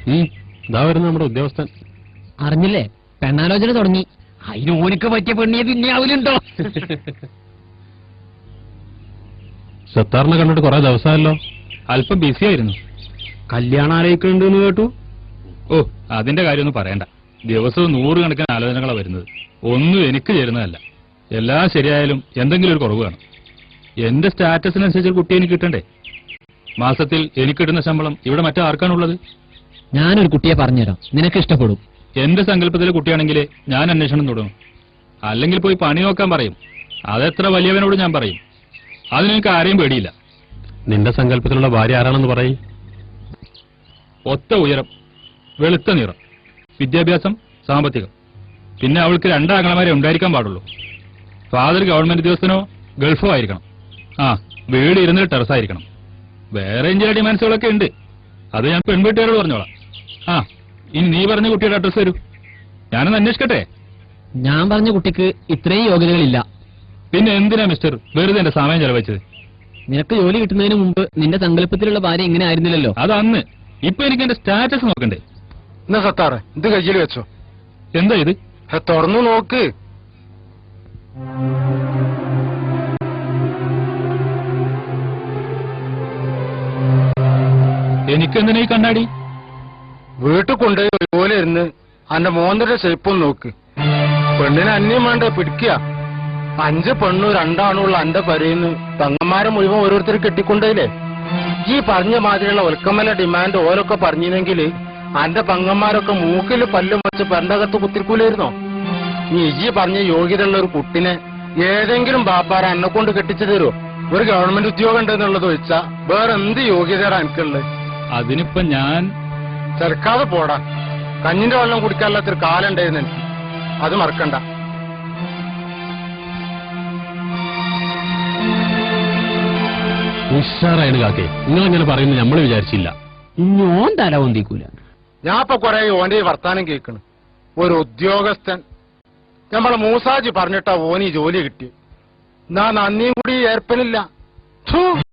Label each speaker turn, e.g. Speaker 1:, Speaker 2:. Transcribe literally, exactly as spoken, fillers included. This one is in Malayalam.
Speaker 1: ഇതാ വരുന്ന നമ്മുടെ ഉദ്യോഗസ്ഥൻ.
Speaker 2: അറിഞ്ഞില്ലേ, പെണ്ണാലോചന തുടങ്ങി. അതിന് ഓനക്ക് പറ്റിയ പെണ്ണിയെ പിന്നെ അവലുണ്ടോ?
Speaker 1: സത്താറിനെ കണ്ടിട്ട് കുറെ ദിവസമല്ലോ.
Speaker 3: അല്പം ബിസി ആയിരുന്നു.
Speaker 1: കല്യാണം ആലോചിക്കുന്നുണ്ടെന്ന് കേട്ടു.
Speaker 3: ഓ, അതിന്റെ കാര്യമൊന്നും പറയണ്ട. ദിവസവും നൂറുകണക്കിന് ആലോചനകളാണ് വരുന്നത്. ഒന്നും എനിക്ക് ചേരുന്നതല്ല. എല്ലാം ശരിയായാലും എന്തെങ്കിലും ഒരു കുറവ് കാണും. എന്റെ സ്റ്റാറ്റസിനനുസരിച്ച് കുട്ടി എനിക്ക് കിട്ടണ്ടേ? മാസത്തിൽ എനിക്ക് കിട്ടുന്ന ശമ്പളം ഇവിടെ മറ്റാർക്കാണുള്ളത്?
Speaker 2: ഞാനൊരു കുട്ടിയെ പറഞ്ഞുതരാം, നിനക്ക് ഇഷ്ടപ്പെടും.
Speaker 3: എന്റെ സങ്കല്പത്തിലെ കുട്ടിയാണെങ്കിലേ ഞാൻ അന്വേഷണം തുടങ്ങും. അല്ലെങ്കിൽ പോയി പണി നോക്കാൻ പറയും. അതെത്ര വലിയവനോട് ഞാൻ പറയും. അതിനെനിക്ക് ആരെയും പേടിയില്ല.
Speaker 1: നിന്റെ സങ്കല്പത്തിലുള്ള ഭാര്യ ആരാണെന്ന് പറയും.
Speaker 3: ഒത്ത ഉയരം, വെളുത്ത നിറം, വിദ്യാഭ്യാസം, സാമ്പത്തികം. പിന്നെ അവൾക്ക് രണ്ടാങ്ങളമാരെ ഉണ്ടായിരിക്കാൻ പാടുള്ളൂ. ഫാദർ ഗവൺമെന്റ് ഉദ്യോഗസ്ഥനോ ഗൾഫോ ആയിരിക്കണം. ആ, വീട് ഇരുന്നിട്ട് ടെറസായിരിക്കണം. വേറെ ചില ഡിമാൻഡ്സുകളൊക്കെ ഉണ്ട്. അത് ഞാൻ പെൺവീട്ടുകാരോട് പറഞ്ഞോളാം. ആ, ഇനി നീ പറഞ്ഞ കുട്ടിയുടെ അഡ്രസ് തരൂ, ഞാനൊന്ന് അന്വേഷിക്കട്ടെ.
Speaker 2: ഞാൻ പറഞ്ഞ കുട്ടിക്ക് ഇത്രയും യോഗ്യതകളില്ല.
Speaker 3: പിന്നെ എന്തിനാ മിസ്റ്റർ വെറുതെ എന്റെ സമയം ചെലവഴിച്ചത്?
Speaker 2: നിനക്ക് ജോലി കിട്ടുന്നതിന് മുമ്പ് നിന്റെ സങ്കല്പത്തിലുള്ള ഭാര്യ ഇങ്ങനെ ആയിരുന്നില്ലല്ലോ.
Speaker 3: അത് അന്ന്. ഇപ്പൊ എനിക്ക് എന്റെ സ്റ്റാറ്റസ് നോക്കണ്ടേ?
Speaker 4: എന്നാ സത്താറ് ഇത് കയ്യിൽ വെച്ചോ.
Speaker 3: എന്താ ഇത്?
Speaker 4: തുറന്നു നോക്ക്.
Speaker 3: എനിക്കെന്തിനാ ഈ കണ്ണാടി?
Speaker 4: വീട്ടിൽ കൊണ്ടുപോയി ഒരുപോലെ ഇരുന്ന് അന്റെ മോന്തയുടെ ഷേപ്പും നോക്ക്. പെണ്ണിനെ അന്യം വേണ്ട പിടിക്കുക. അഞ്ച് പെണ്ണു രണ്ടാണുള്ള അന്റെ പരയിന്ന് തങ്ങന്മാരെ മുഴുവൻ ഓരോരുത്തർ കെട്ടിക്കൊണ്ടേലേ. ഈ പറഞ്ഞ മാതിരിയുള്ള ഒൽക്കമല ഡിമാൻഡ് ഓരൊക്കെ പറഞ്ഞിരുന്നെങ്കിൽ അന്റെ പങ്ങന്മാരൊക്കെ മൂക്കിൽ പല്ലും വെച്ച് പെരണ്ടകത്ത് കുത്തിരിക്കൂലായിരുന്നോ? നീ ഈ പറഞ്ഞ യോഗ്യതയുള്ള ഒരു കുട്ടിനെ ഏതെങ്കിലും ബാപ്പാര എന്നെ കൊണ്ട് കെട്ടിച്ചു തരുമോ? ഒരു ഗവൺമെന്റ് ഉദ്യോഗം ഉണ്ടെന്നുള്ളത് വെച്ചാ വേറെ എന്ത് യോഗ്യതയാണ് എനിക്കുള്ളത്?
Speaker 3: അതിനിപ്പോ ഞാൻ
Speaker 4: ചെറുക്കാതെ പോടാ. കഞ്ഞിന്റെ വെള്ളം കുടിക്കാനുള്ളൊരു കാലം ഉണ്ടായിരുന്നു എനിക്ക്. അത് മറക്കണ്ട.
Speaker 1: ഉഷാറായിട്ട് കാക്കേ, നിങ്ങളിങ്ങനെ പറയുന്നത് നമ്മൾ വിചാരിച്ചില്ല.
Speaker 2: ഇഞ്ഞോൻ തല പൊന്തിക്കൂല.
Speaker 4: ഞാൻ ഇപ്പൊ കൊറേ ഓന്റെ ഈ വർത്താനം കേൾക്കണ്. ഒരു ഉദ്യോഗസ്ഥൻ നമ്മളെ മൂസാജി പറഞ്ഞിട്ടാ ഓന് ഈ ജോലി കിട്ടി. എന്നാ നന്ദിയും കൂടി ഏർപ്പനില്ല.